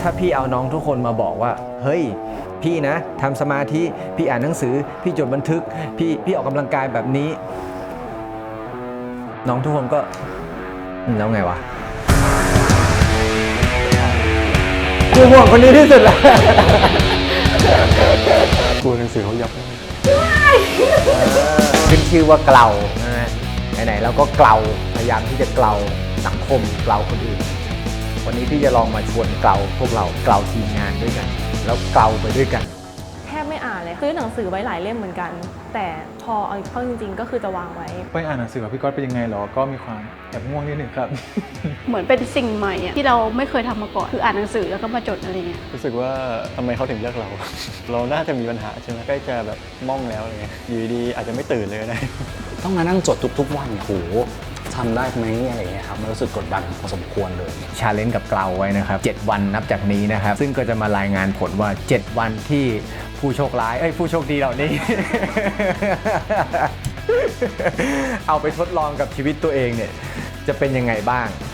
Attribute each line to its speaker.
Speaker 1: ถ้าพี่เอาน้องทุกคนมาบอกว่าเฮ้ยพี่นะทำสมาธิพี่อ่านหนังสือพี่จดบันทึกพี่ออกกำลังกายแบบนี้น้องทุกคนก็แล้วไงวะกูห่วงคนนี้ที่สุดแล้ว
Speaker 2: กลัวหนังสือเขายับ
Speaker 1: ขึ้นชื่อว่าเกลาไหนๆเราก็เกลาพยายามที่จะเกลาสังคมเกลาคนอื่นวันนี้พี่จะลองมาชวนเกลาพวกเราเกลาทีมงานด้วยกันแล้วเกลาไปด้วยกัน
Speaker 3: แทบไม่อ่านเลยซื้อหนังสือไว้หลายเล่มเหมือนกันแต่พอเอาเข้าจริงๆก็คือจะวางไว้
Speaker 2: ไปอ่านหนังสือกับพี่ก๊อตเป็นยังไงหรอก็มีความแอบง่วงนิดหนึ่งครับ
Speaker 4: เหมือนเป็นสิ่งใหม่ที่เราไม่เคยทำมาก่อนคืออ่านหนังสือแล้วก็มาจดอะไรเงี้ย
Speaker 2: รู้สึกว่าทำไมเขาถึงเลือกเรา เราน่าจะมีปัญหาใช่ไหมใกล้จะแบบม่องแล้วอะไรเงี้ยอยู่ดีอาจจะไม่ตื่นเลยก็ได้
Speaker 5: ต้องมานั่งจดทุกๆวันโหทำได้ไหมอะไรเงี้ยครับมันรู้สึกกดดันพอสมควรเลย
Speaker 1: ชาเลนจ์กับเกลาไว้นะครับ7วันนับจากนี้นะครับซึ่งก็จะมารายงานผลว่า7วันที่ผู้โชคร้ายผู้โชคดีเหล่านี้ เอาไปทดลองกับชีวิตตัวเองเนี่ยจะเป็นยังไงบ้าง